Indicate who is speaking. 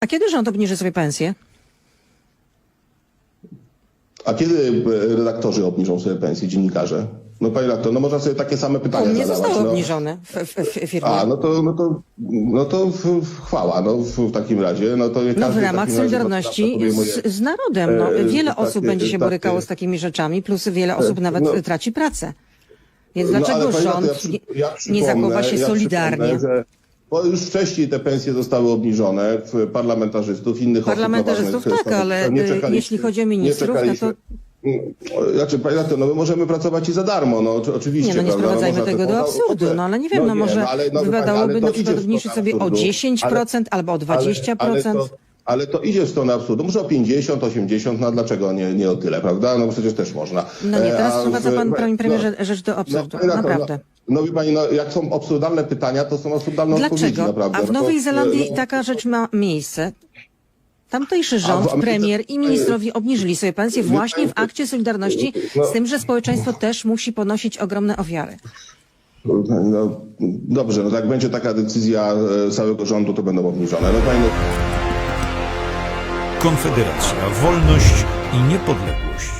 Speaker 1: A kiedy rząd obniży sobie pensję?
Speaker 2: A kiedy redaktorzy obniżą sobie pensje, dziennikarze? No panie redaktor, no można sobie takie same pytania
Speaker 1: U mnie
Speaker 2: zadawać.
Speaker 1: zostały
Speaker 2: no.
Speaker 1: obniżone w firmie.
Speaker 2: A, no to chwała, no w takim razie. No to
Speaker 1: No w
Speaker 2: każdy
Speaker 1: ramach
Speaker 2: takim razie
Speaker 1: solidarności
Speaker 2: podejmuje,
Speaker 1: z narodem. No, wiele
Speaker 2: takie-
Speaker 1: osób będzie się
Speaker 2: takie-
Speaker 1: borykało z takimi rzeczami, plus wiele osób nawet
Speaker 2: no.
Speaker 1: traci pracę. Więc
Speaker 2: No,
Speaker 1: dlaczego
Speaker 2: ale panie
Speaker 1: rząd
Speaker 2: redaktor,
Speaker 1: nie
Speaker 2: przypomnę-
Speaker 1: zachowa się
Speaker 2: ja
Speaker 1: solidarnie?
Speaker 2: przypomnę, że bo już wcześniej te pensje zostały obniżone w parlamentarzystów, innych
Speaker 1: Parlamentarzystów
Speaker 2: osób. na ważnych
Speaker 1: tak, ale
Speaker 2: stanowiskach. Nie czekaliśmy-
Speaker 1: jeśli chodzi o ministrów,
Speaker 2: nie
Speaker 1: no
Speaker 2: czekaliśmy. Znaczy, panie redaktor, no my możemy pracować i za darmo, no oczywiście.
Speaker 1: Nie, no nie
Speaker 2: prawda?
Speaker 1: sprowadzajmy
Speaker 2: można
Speaker 1: tego do absurdu, no ale nie wiem, no może wypadałoby na przykład obniżyć sobie o 10% albo o 20%.
Speaker 2: Ale to idzie w stronę absurdu. Może o 50, 80, no dlaczego nie o tyle, prawda? No przecież też można.
Speaker 1: No nie, teraz
Speaker 2: A
Speaker 1: sprowadza pan, panie premierze, rzecz do absurdu,
Speaker 2: panie redaktor,
Speaker 1: naprawdę.
Speaker 2: No wie pani, no jak są absurdalne pytania, to są absurdalne odpowiedzi,
Speaker 1: Dlaczego?
Speaker 2: naprawdę.
Speaker 1: A w
Speaker 2: No to-
Speaker 1: Nowej Zelandii
Speaker 2: no-
Speaker 1: taka rzecz ma miejsce. Tamtejszy rząd,
Speaker 2: w Ameryce-
Speaker 1: premier i ministrowie obniżyli sobie pensje właśnie w akcie Solidarności, z tym, że społeczeństwo też musi ponosić ogromne ofiary.
Speaker 2: No, dobrze, no jak będzie taka decyzja całego rządu, to będą obniżone. No, pani,
Speaker 3: Konfederacja, wolność i niepodległość.